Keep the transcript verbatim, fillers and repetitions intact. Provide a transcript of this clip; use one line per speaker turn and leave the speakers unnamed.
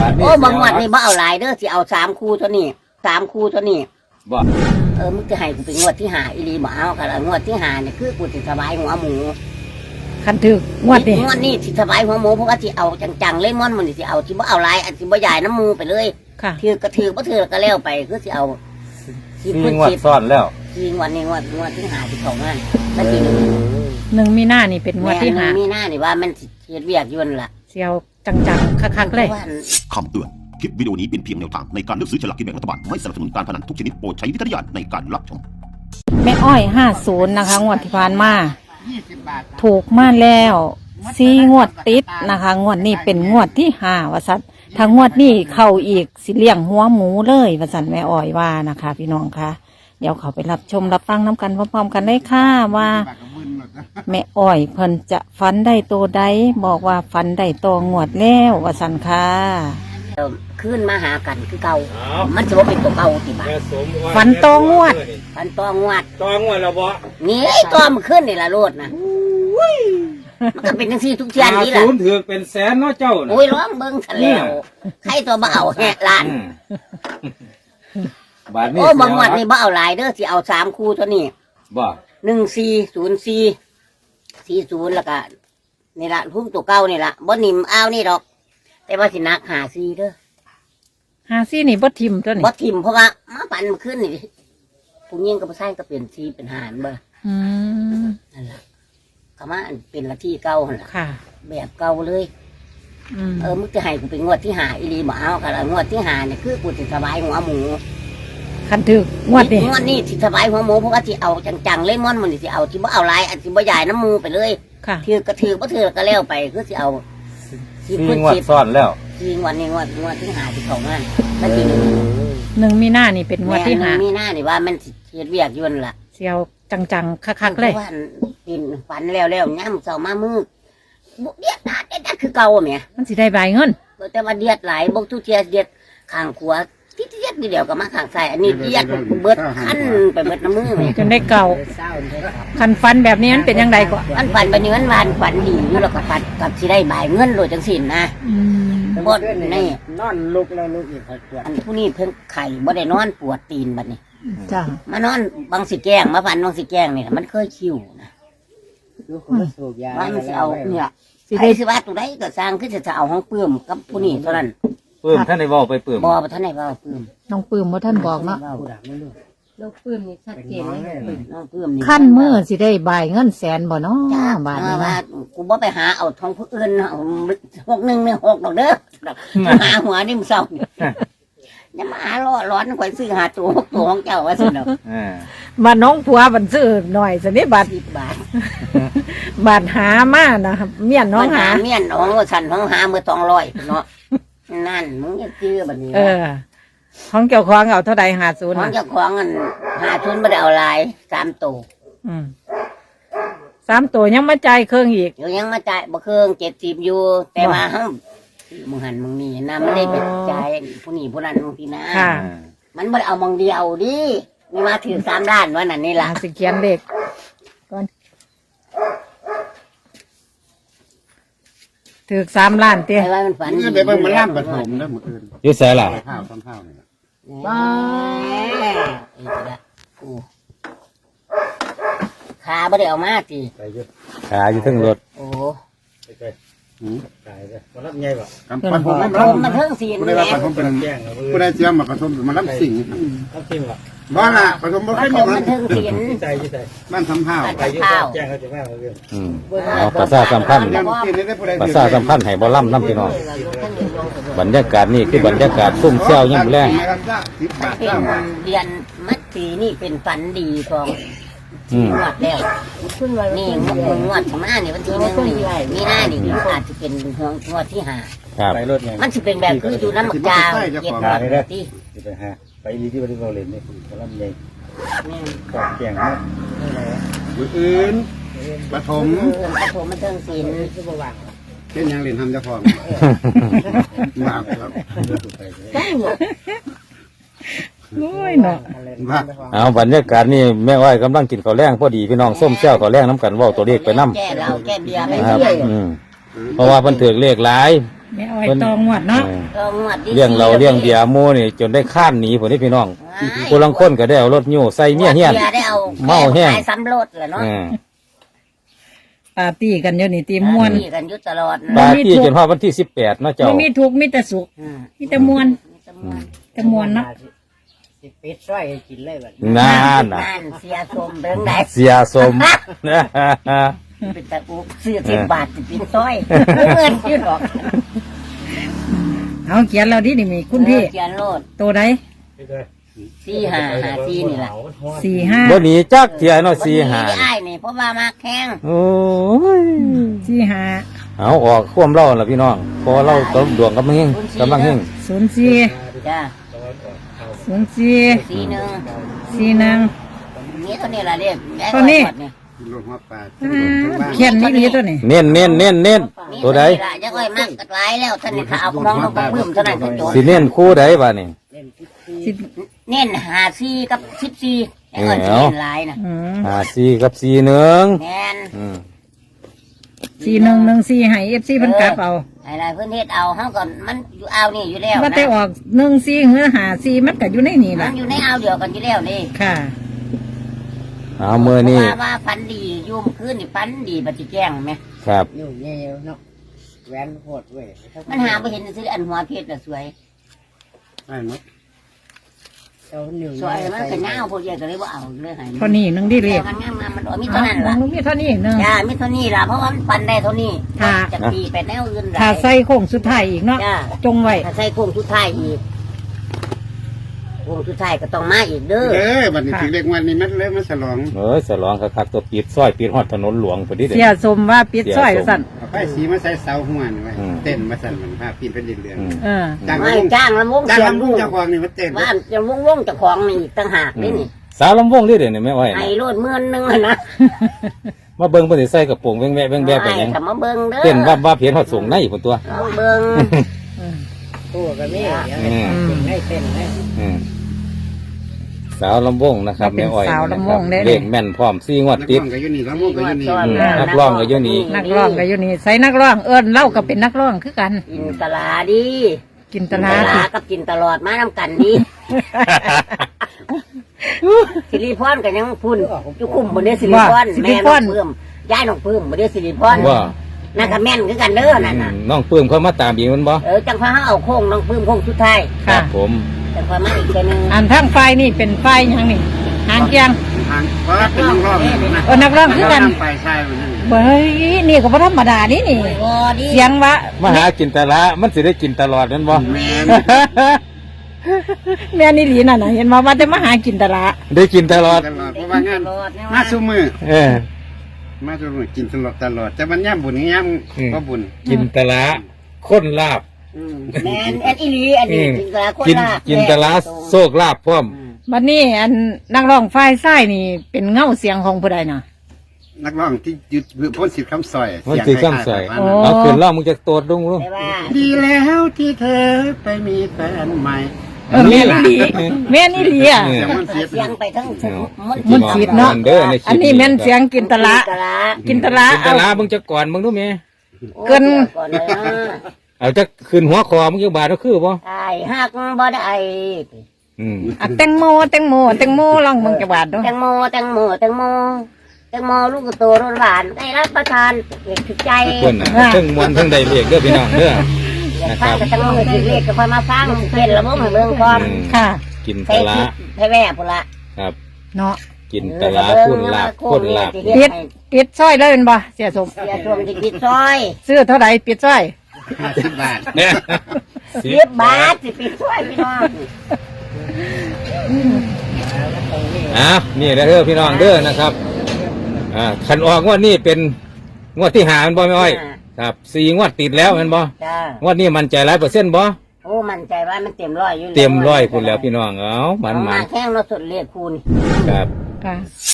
โอ้บางวันนี่บ่เอาหลายเด้อสิเอาสามคู่เท่านี้สามคู่เท่านี้
บ่
เออมึงจะให้กูเป็นงวดที่หาอีรีบ่เอากันละงวดที่หาเนี่ยคือกูสิสบายหัวหมู
คันถึกงวดนี่
งวดนี้สิสบายหัวหมูเพราะว่าสิเอาจังๆเลยม่อนมันสิเอาสิบ่เอาหลายอันสิบ่ใหญ่น้ำมูไปเลย
ค่ะ
ถือกระถือบ่ถือก็แล้วไปคือสิเอา
สี่งวดซ้อนแล้ว
สี่งวดนี้งวดงวดที่หาที่เขางานแล้วทีนึง
หนึ่งมีหน้านี่เป็นงวดที่หา
มีหน้านี่ว่ามันสิเฮ็ดเวียกอยู่นั่นล่ะ
เสียวจังๆคักๆเลย
คำเตือนคลิปวิดีโอนี้เป็นเพียงแนวทางในการเลือกซื้อฉลากกินแบ่งรัฐบาลไม่สนับสนุนการพนันทุกชนิดโปรดใช้วิจารณญาณในการรับชม
แม่อ้อยห้าศูนย์นะคะงวดที่ผ่านมาถูกมาแล้วสี่งวดติดนะคะงวดนี้เป็นงวดที่ห้าวสัตถ้างวดนี้เข้าอีกสิเลี้ยงหัวหมูเลยวสันแม่อ้อยว่านะคะพี่น้องคะเดี๋ยวเขาไปรับชมรับฟังน้ำกันพร้อมๆกันได้ค่ะว่าแม่อ้อยเพิ่นจะฟันได้โตใดบอกว่าฟันได้โตงวดแล้ววสันค่ะ
ขึ้นมาหากันคือเก่ามันจะว่าเป็นตัวเก่าติบ่า
ฟันโตงวด
ฟันตัวงวด
ตัวงวดแล้วบ่
นี่ตัวมันขึ้นนี่ละโลดนะมันก็เป็นทั้งสี่ทุกเทียนนี่แหละ
ศูนย์ถือเป็นแสนเนาะเจ้า
โอ้ยร้องเบิ้งทะเลใครตัวบ่เอาแหะล้านโอ้บางวันนี่บ่เอาหลายเด้อสิเอาสามคู่เท่านี้
บ่
หนึ่งสี่ศูนย์สี่สี่ศูนย์แล้วก็นี่ละพุ่งตัวเก่านี่ละบ่นิ่มเอานี่ดอกแต่ว่าสินักหาซีเด้อ
หาซี่นี่บ่ทิมตัวนี้
บ่ทิมเพราะว่ามาปั่นมันขึ้นนี่ผู้หญิงกับผู้ชายก็เปลี่ยนซีเป็นหารบ่
อืม
นั่นแหละก็มาเป็นละที่เก่าหั่นล่ะ
ค่ะ
แบบเก่าเลยเออมึงจะให้กูเป็นงวดที่หาอีรีบ่เอากันละงวดที่หาเนี่ยคือกูสิสบายหัวหมู
คันถึกงวดนี่
งวดนี้สิสบายหัวหมูเพราะว่าสิเอาจังๆเลยม่อนมันสิเอาสิบ่เอาหลายอันสิบ่ใหญ่น้ำมูไปเลย
ค่ะ
ถือกระถือบ่ถือก็แล้วไปคือสิเอา
สี่งวดซ้อนแล้ว
สี่งวดนี่งวดงวดที่หาที่เขางานแล้วทีนึง
หนึ่งมีหน้านี่เป็นงวดที่หา
มีหน้านี่ว่ามันสิเฮ็ดเวียกอยู่นั่นล่ะ
เสียวจังๆคักๆเลย
กินฝันแล้วแล้วย่ำเสามามือบุเดียดนาเดียดคือเก่าแม่
มันสิได้ใบเงิน
แต่ว่าเดียดหลายบกทุเทียเดียดข้างขวาที่เดียดเดียวกับมาข้างซ้ายอันนี้เดียดเบิดขั้นไปเบิดน้ำมือแม่
จนได้เก่าคันฟันแบบนี้มันเป็นยังไงก่อน
อันฝันไปเนื้อวานฝันดีอยู่แล้วก็ฝันกับสิได้ใบเงินโดยจังสินนะบดนี่
นอนลุกแล้วลุกอีกปวด
อันผู้นี้เพิ่งไข่บ่ได้นอนปวดตีนบัดนี้
จ้าม
านอนบางสิแกล้งมาฝันบางสิแกล้งนี่มันเคยคิวนะว่ามันสิเอาเนี่ยสิได้สิว่าตัวใดก็สร้างคือจะเอาห้องปื้มกับผู้นี้เท่านั้น
ปื้มท่านได้บอกไปปื้ม
บ่ท่านได้ว่าปื้ม
น้องปื้มว่าท่านบอกเนาะ
ลูกปื้มนี่ชัดเจนเลยน้องปื้มนี่
ขั้นเมื่อสิได้ใบเงินแสนบ่เนาะบาทนี้
ว่ากูบ่ไปหาเอาทองผู้อื่นหกหนึ่งเนี่ยหกดอกเด้อหาหัวนี่มึงเศร้าเนี่ยมาหาล้อร้อนข่อยซื้อหาตัวตัวของเจ้าว่าสิเนาะ
มาน้องผัวบันซื้อหน่อยสินี่บาท
สิบบาท
บาทหามานะครับเมียนน้องหา
เมียนน้องว่าสันของหาเมื่อสองร้อยเนาะนั่นมึงจะซื้อแบบนี้
เออของเกี่ยวของเอาเท่าใดหาศูนย์
ของเจ้าของอันหาทุนไม่ได้เอาลายสามตัว
อืมสามตัวยังมาจ่ายเครื่องอีก
อยู่ยังมาจ่ายบ่เครื่องเจ็ดสิบอยู่แต่ว่าห้องมึงหันมึงนี่นะไม่ได้ไปจ่ายผู้นี้ผู้นั้นผู้นี้นะมันไม่ได้เอามองเดียวดิมีมาถือสามด้านว่านั่นนี่ล่ะ
สิเขียนเด็กก่อนถือสามล้านเตี้ย
ไอ้ว่ามันฝัน
นี่เดี๋ยวมันล่ามปฐมนะหมดอื่น
ยุ่ใส่ล่ะ
ข้าวต้มข้าวนี่
บ้าไอ้ละกูขาไม่ได้เอามาจี
ขาอยู่ทั้งรถ
โอ้
ตายเลยมันรับไงวะ
ปันผมมันรับมันเทิงสีน
ผู้ใดว่าปันผมเป็นผู้ใดเชื่อมาปันผมมันรับสิ่ง
รับสิ่งวะ
บ้านละปันผมไม่ค่อยมี
มันเทิงสีน
ใจใจ
บ้านทำข้าว
ไปข้าว
แจ้งเขาจะแม่เขาเรื่องเอาภาษาสัมพันธ์ภาษาสัมพันธ์ให้บ่ล่ำน้ำพี่น้องบรรยากาศนี่คือบรรยากาศซุ่มเซี่ยวยิ่งแรง
เป็นเรียนมัดสีนี่เป็นฝันดีของงวดแล้วนี่งวดของหน้านี่วันที่หนึ่งนี่มีหน้านี่อาจจะเป็นงวดที่ห้ามันจะเป็นแบบคืออยู่น้ำหมักจาเย็ดที่
ไปหาไปดีที่บริโภคเลยนี่กำลังใหญ่กองแกงมาก
อื่นปฐม
ปฐมมันเทิงศิลป์
เช่นยังเรียนทำเจ้าของมากครับ
โอ้ยเนาะ
เอาบรรยากาศนี่แม่อ้อยกำลังกินข้าวแรงพอดีพี่น้องส้มเชี่ยวข้าวแรงน้ำกันว่าตัวเลขไปน้ำ
แก้เราแก้เบียร์ไป
เรื่อยเพราะว่าเพิ่นถือเลขหลาย
แม่อ้อยตองงวดเนาะ
เออ
ก็งวดที่
เลี้ยงเราเลี้ยงเบียร์หมูนี่จนได้ข้านหนีผมนี่พี่น้องผู้ลังคนก็ได้เอารถโย่ใส่เมียเฮียน
บีร์ได้เอา
เมาแห้ง
ขายซ้ำรถแหละเนาะ
เออ
ปาร์ตี้กันอยู่นี่ตีม่วน
นี่กันอยุตลอด
ปาร์ตี้จนฮอดวันที่สิบแปดเนาะเจ้า
บ่มีทุกข์มีแต่สุข
อืม
มีแต่มวลแต่มวลเนาะ
สิเป็ดร้อยให้กินเลยบัด
นานน่ะ
นั่นเสียสมเบิ่งได้
เสียสม
เป็นตะอุกเสื้อสิบบาทสิเป็นซอยเงินอยู่ดอก
เอาเขียนเราดินี่มีคุณพี่
เขียนโลด
ตัวใด
สี่ห้าห้าสี่นี่แหละ
สี่ห้า
บ่หนีจักเที่ยเนาะสี่หา
วันนี้ได้นี่เพราะว่ามาแข้ง
โอ้ย
สี่ห้า
เอาออกควมเล่าล่ะพี่น้องเพอเล่าต้มดวงกำลังเฮงกำลังเฮง
ศูนย์สี่
จ้า
ศูนย์สี่
สี่หนึ่ง
สี่หนึ่ง
นี่เท่านี้ละเรียก
เท่านี้
รถหัวปลา
เขียนนี่ดีตัวนี้
เน้นเน้นเน้นเน้นตัวใด
ละจะค่อยมากกัดไว้แล้วท่านนี่ถ้าเอามองลงไปเพิ่มเท่านั้นก็จบ
สิเน้นคู่ใดบ้านี่
สิบ
เน้นหาสี่กับสิบสี่ไอ้เงิน
เอ้า
สี่หลายนะ
อืม
ห้าสี่กับสี่หนึ่ง
แม่น
อืม
สี่หนึ่งหนึ่งสี่ให้เอฟซีเพิ่นกลับเอา
ไอ้ไรเพื่อนเฮ็ดเอาเฮาก่อนมันอยู่เอานี่อยู่แล้ว
ว่า
นะ
แต่ออกหนึ่งสี่หรือหาสี่มันก็อยู่ในนี่
มั
ล่ะ
นอยู่ในเอาเดียวกันอยู่แล้วนี่
ค่ะ
เอาเมื่อนี้
ว่าว่าฟันดียุ่มขึ้นนี่ฟันดีบัดจิแจ้งไหม
ครับ
อยู่เงี้ยเนาะแหวนโหดเว้ย
มันหาไปเห็นซื้ออันหัวเพชรน่ะสวย
ใช่ไหม
เจ้าหนึ่ง
สวยมันก็เงาพวกใหญ่ก็เลยว่าเอาเลยให้
เท่านี้หนึงดีเล
เรี
ย
ยกมันงามๆมันมี
เอา
เท่านั้นล่ะ
หนูมีเท่านี้หนึง
จ้ามีเท่านี้ล่ะเพราะว่ามันฟันได้เท่านี้
ค่ะ
จะตีไปแนวอื่นหลาย
ถ้าใส่โค้งสุดท้ายอีกเนาะ
จ้า
จงไว้
ถ้าใส่โค้งสุดท้ายอีกโค้งสุดท้ายก็ต้องมาอีกเด้อ
เด้อบัดนี้ถึงเล็กวันนี้มันเริ่มมาฉลอง
เออสลองคักๆตัวปิดซอยปิดฮอดถนนหลวงพอดีเด้
เสียสมว่าปิดซอยสั่น
เอาไฟสีมาใส่เสาหัวนี่ไว้เต้นมาสั่นมันภาพปีนเป็นเรือน
อืม
เออ
จ้าง
ไม่
ลำวง
จ้างลำวง
จ้าง
เสียง
ลำว
ลู
ง
ก
เจ้าของนี่มาเต้น
ว่าจะวงวงๆเจ้าของนี่อีกต่างหากนี่นี่
สาวลำวงนี่เด้อนี่แม่อ้อย
ไอ้
นะ
โลดเมื่อนหนึงอะนะ
มาเบิ่งเพิ่นสิใส่กระโปรงแว่งแวะแว่งแวะไปหยัง
แต่มาเบิ่งเด้อ
เต้นว่าว่าเพียนฮอดสูงในพุ่นตัว
มาเบิ่ง
ตัวก็มีเดี๋ยว
อืม
ให้เต้นให้
อืมสาวลำวงนะครับ
เป็น
แม่อ้อย
สาวลำวงเด้
เลขแม่นพร้อมสี่งวด
นัก
ติ
ร้
ด
องก็อยู่นี่ลำวงก็อยู่นี่
อืมนักร้องก็อยู่นี่
นักร้องก็อยู่นี่ใส่นักร้องเอิ้นเล่าก็เป็นนักร้องคือกัน
กินตลาดี
กินต
ต
ลา
ลา
ด
กับกินตลอดมานำกันดีสิริพรก็ยังพุ่นอยู่คุมบ่ได้สิริพรแม่น้องเพิ่มย้ายน้องเพิ่มบ่ได้สิริพร
ว่า
นั่นก็แม่นคือกันเด้อนั่น
อื
น่ะ
มน้องปื้มเขามาตามอีกมันบ่
เออจังฟ้าเฮาเอาโค้งน้องเพิ่มโค้งสุดท้าย
ครั
ค่ะ
บผม
จังฟ้ามาอีกเทื่อนึง
อันทั้งไฟนี่เป็นไฟหยังนี่หางเกียง
ทางเพราะว่าเป็นนักร้องนะ
เออนักร้องคือกัน
ไฟใช่มันนั่น
เฮ้ยนี่ก็บ่ธรรมดานี่นี่
โอ้ดี
เสียงวะ
มาหากินแต่ละมันสิได้กินตลอดแม่นบ่
แม่น
แม่นี่หลีน่ะนะเห็นมาว่าจะมาหากินตลาด
ได้กินตลอด
ตลอดเพราะว่างานมาซุมือ
เออ
มาซุมือกินตลอดตลอดแต่มันย่ำบุญย่
อืม
ำก็บุญ
กินตละข้นลาบ
อืมแม่นแอนอีหลีอันนี้กินตลาคน
กิน
ละ
กินตละโซกลาบพร้อม
บัดนี้อันนักร้องไฟไส้นี่เป็นเงาเสียงของผู้ใดน่ะ
นักร้องที่ยึดพ้นสิทธิ์คำซอย
มันสิคำใส่
เสียงคล้ายๆ
โอ้
เอาขึ้นล่ามึงจะโตดดุ้งลุง
แต่ว่า
ดีแล้วที่เธอไปมีแฟนใหม่
เออแม่นี่หลีแม่นี่หลีอ่ะ
เออ
เสียงมันเสีย
เสียงไปทั้งสมุมัน
มันสีดเนาะ
เด้อในคลิป
อันนี้แม่นเสียงกินตลาด
ตลา
กินตลาด
กินต
เอา
ละมึงจะก่อนมึงรู้ไหม
เกิน
ก่อนเลยนะ
เอาจะขึ้นหัวคอมึงจะบาดก็คือบ่
ไอ้หักบ่ได้
อืม
อ่ะแตงโมแตงโมแตงโมลองมึงจะบาดดู
แตงโมแตงโมแตงโมแตงโมลูกโตรสหวานได้รับประทานเอกถึงใจ
คนน่ะทั้งมวนทั้งใดเรียกเด้อพี่น้องเด้อ
อยาก
นะค
ฟั
รั
ง
บ
กับแตงโมสิเรียกก็ค่อยมาฟังเป็นละบ่ให้เบิ่งก่อน
อืม
ค่ะ
กิน
ใส่
ตละ
คิดให้แว่พุ่นละ
ครับ
เนาะ
กินตละพุ่นลาบพุ่นลาบ
ปิดปิดซอยเลยเป็นบ่เสียสม
เสียชมสิปิดซอย
ซื้อเท่าไหร่ปิดซอย
ห้าสิบบาท
เนี่ย
สิบบาทสิปิดซอยพี่น้อง
อ้าวนี่เด้อพี่น้องเด้อนะครับอ่าขันออกงวดนี้เป็นงวดที่หาแมันบ่ไม่อ้อยครับสี่งวดติดแล้วแมันบ่
จ้าง
วดนี้มันใจร้อยเปอร์เซ็นต์บ่
โอ้มั่นใจว่ามันเต็มร้อยอยู่แล้ว
เต็มร้อยคุณแล้วพี่น้องเอ้ามัน
เอา
มั
มาน แข้งเราสุดเรียกคูณ
ครับ
ค่ะ